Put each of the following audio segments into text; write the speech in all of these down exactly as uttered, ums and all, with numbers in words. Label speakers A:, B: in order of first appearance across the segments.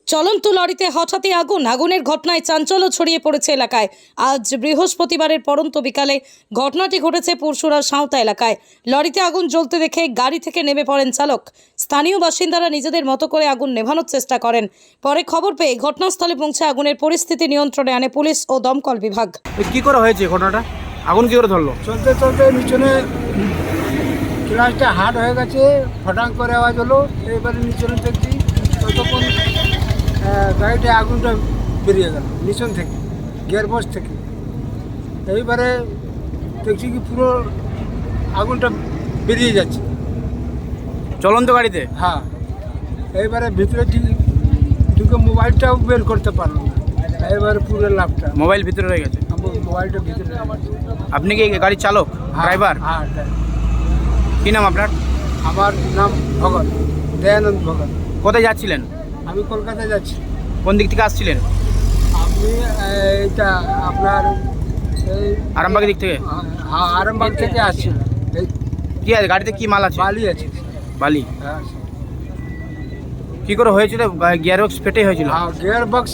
A: চলন্ত লরিতে হঠাৎই আগুন আগুনের ঘটনায় চাঞ্চল্য ছড়িয়ে পড়েছে এলাকায়। আজ বৃহস্পতিবারের পরন্ত বিকালে ঘটনাটি ঘটেছে পরশুরার সাঁওতা এলাকায়। লরিতে আগুন জ্বলতে দেখে গাড়ি থেকে নেমে পড়েন চালক। স্থানীয় বাসিন্দারা নিজেদের মতো করে আগুন নেভানোর চেষ্টা করেন। পরে খবর পেয়ে ঘটনাস্থলে পৌঁছে আগুনের পরিস্থিতি নিয়ন্ত্রণে আনে পুলিশ ও দমকল বিভাগ।
B: কি করে হয়েছে ঘটনাটা? আগুন কি করে ধরলো?
C: চলতে চলতে নিচনে ক্লাসটা হার্ড হয়ে গেছে, ফটাং করে আওয়াজ হলো। এবারে নিচনে দেখছি ততক্ষণ গাড়িতে আগুনটা বেরিয়ে গেল নিচন থেকে, গিয়ারবক্স থেকে। এইবারে দেখছি কি পুরো আগুনটা বেরিয়ে যাচ্ছে
B: চলন্ত গাড়িতে।
C: হ্যাঁ, এইবারে ভিতরে ঠিক ঢুকে মোবাইলটাও বের করতে পারলো না। এবারে পুরো লাভটা
B: মোবাইল ভিতরে রয়ে গেছে।
C: মোবাইলটা ভিতরে।
B: আপনি কি গাড়ির চালক, ড্রাইভার?
C: হ্যাঁ, ড্রাইভার।
B: কি নাম আপনার?
C: আমার নাম ভগত, দয়ানন্দ ভগত।
B: কোথায় যাচ্ছিলেন?
C: আমি কলকাতায় যাচ্ছি।
B: কোন দিক থেকে আসছিলেন?
C: আপনি এইটা আপনার এই
B: আরামবাগের দিক থেকে?
C: হ্যাঁ, আরামবাগ থেকে আসছি। এই
B: কি আছে গাড়িতে? কি মাল আছে?
C: বালি আছে।
B: বালি।
C: হ্যাঁ,
B: কি করে হয়েছিল? গিয়ার বক্স ফেটে হয়েছিল?
C: হ্যাঁ, গিয়ার বক্স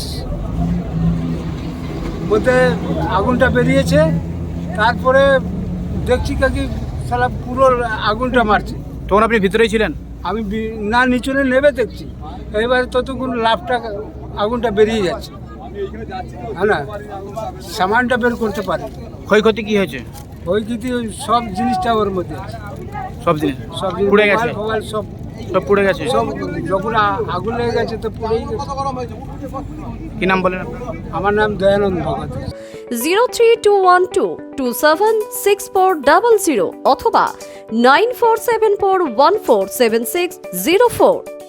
C: মধ্যে আগুনটা বেরিয়েছে। তারপরে দেখছি কি সালা পুরো আগুনটা মারছে।
B: তখন আপনি ভিতরেই ছিলেন?
C: আমি বি- না নিচনে নেমে দেখছি। এবারে ততক্ষণ লাভটা আগুনটা বেরিয়ে যাচ্ছে। হ্যাঁ না, সামানটা বের করতে পারে।
B: ক্ষয়ক্ষতি কি হয়েছে?
C: ওই কিন্তু সব জিনিসটা ওর মধ্যে আছে।
B: সব জিনিস
C: সব জিনিস
B: পুড়ে গেছে?
C: মোবাইল ফোবাইল সব
B: সব পুড়ে গেছে?
C: সব যখন আ- আগুন লেগে গেছে তো পুড়েই গেছে।
B: কি নাম বলেন আপনার?
C: আমার নাম Dayanand Bhagat.
D: Zero three two one two two seven six four double zero অথবা nine four seven four one four seven six zero four.